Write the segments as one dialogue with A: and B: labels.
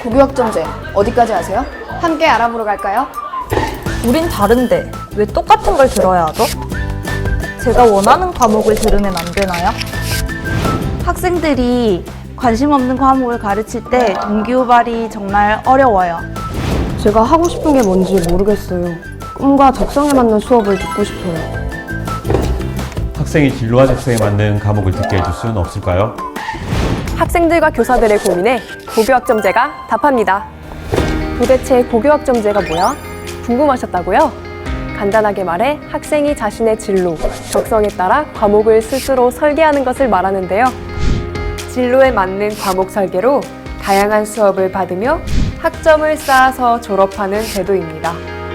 A: 고교학점제 어디까지 아세요? 함께 알아보러 갈까요?
B: 우린 다른데 왜 똑같은 걸 들어야 하죠? 제가 원하는 과목을 들으면 안 되나요?
C: 학생들이 관심 없는 과목을 가르칠 때 동기유발이 정말 어려워요.
A: 제가 하고 싶은 게 뭔지 모르겠어요. 꿈과 적성에 맞는 수업을 듣고 싶어요.
D: 학생이 진로와 적성에 맞는 과목을 듣게 해줄 수는 없을까요?
E: 학생들과 교사들의 고민에 고교학점제가 답합니다. 도대체 고교학점제가 뭐야? 궁금하셨다고요? 간단하게 말해 학생이 자신의 진로, 적성에 따라 과목을 스스로 설계하는 것을 말하는데요. 진로에 맞는 과목 설계로 다양한 수업을 받으며 학점을 쌓아서 졸업하는 제도입니다.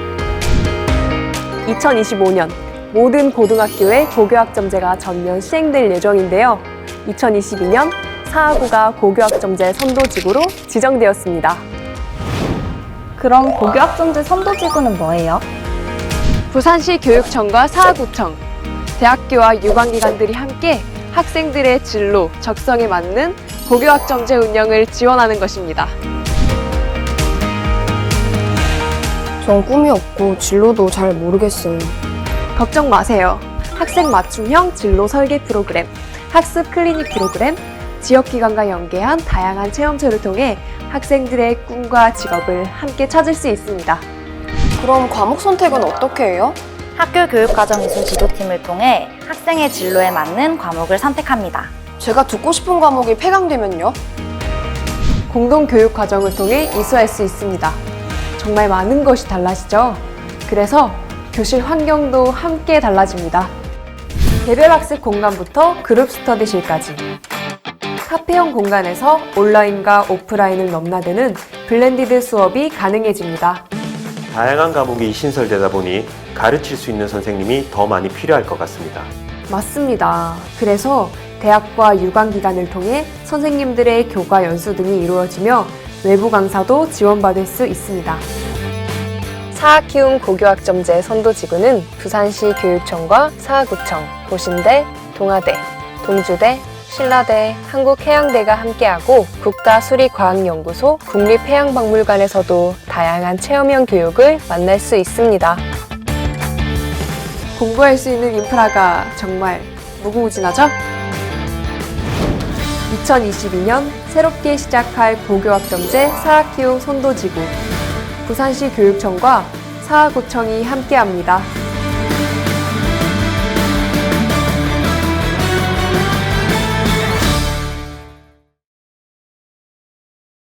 E: 2025년 모든 고등학교에 고교학점제가 전면 시행될 예정인데요. 2022년 사하구가 고교학점제 선도지구로 지정되었습니다.
B: 그럼 고교학점제 선도지구는 뭐예요?
E: 부산시 교육청과 사하구청, 대학교와 유관기관들이 함께 학생들의 진로, 적성에 맞는 고교학점제 운영을 지원하는 것입니다.
A: 전 꿈이 없고 진로도 잘 모르겠어요.
E: 걱정 마세요. 학생 맞춤형 진로 설계 프로그램, 학습 클리닉 프로그램, 지역기관과 연계한 다양한 체험처를 통해 학생들의 꿈과 직업을 함께 찾을 수 있습니다.
A: 그럼 과목 선택은 어떻게 해요?
C: 학교 교육과정미술 지도팀을 통해 학생의 진로에 맞는 과목을 선택합니다.
A: 제가 듣고 싶은 과목이 폐강되면요?
E: 공동교육 과정을 통해 이수할 수 있습니다. 정말 많은 것이 달라지죠? 그래서 교실 환경도 함께 달라집니다. 개별 학습 공간부터 그룹 스터디실까지 카페형 공간에서 온라인과 오프라인을 넘나드는 블렌디드 수업이 가능해집니다.
F: 다양한 과목이 신설되다 보니 가르칠 수 있는 선생님이 더 많이 필요할 것 같습니다.
E: 맞습니다. 그래서 대학과 유관기관을 통해 선생님들의 교과 연수 등이 이루어지며 외부 강사도 지원받을 수 있습니다. 사학키움 고교학점제 선도지구는 부산시 교육청과 사하구청, 고신대, 동아대, 동주대, 신라대, 한국해양대가 함께하고 국가수리과학연구소, 국립해양박물관에서도 다양한 체험형 교육을 만날 수 있습니다. 공부할 수 있는 인프라가 정말 무궁무진하죠? 2022년 새롭게 시작할 고교학점제 사학키움 선도지구, 부산시 교육청과 사하구청이 함께합니다.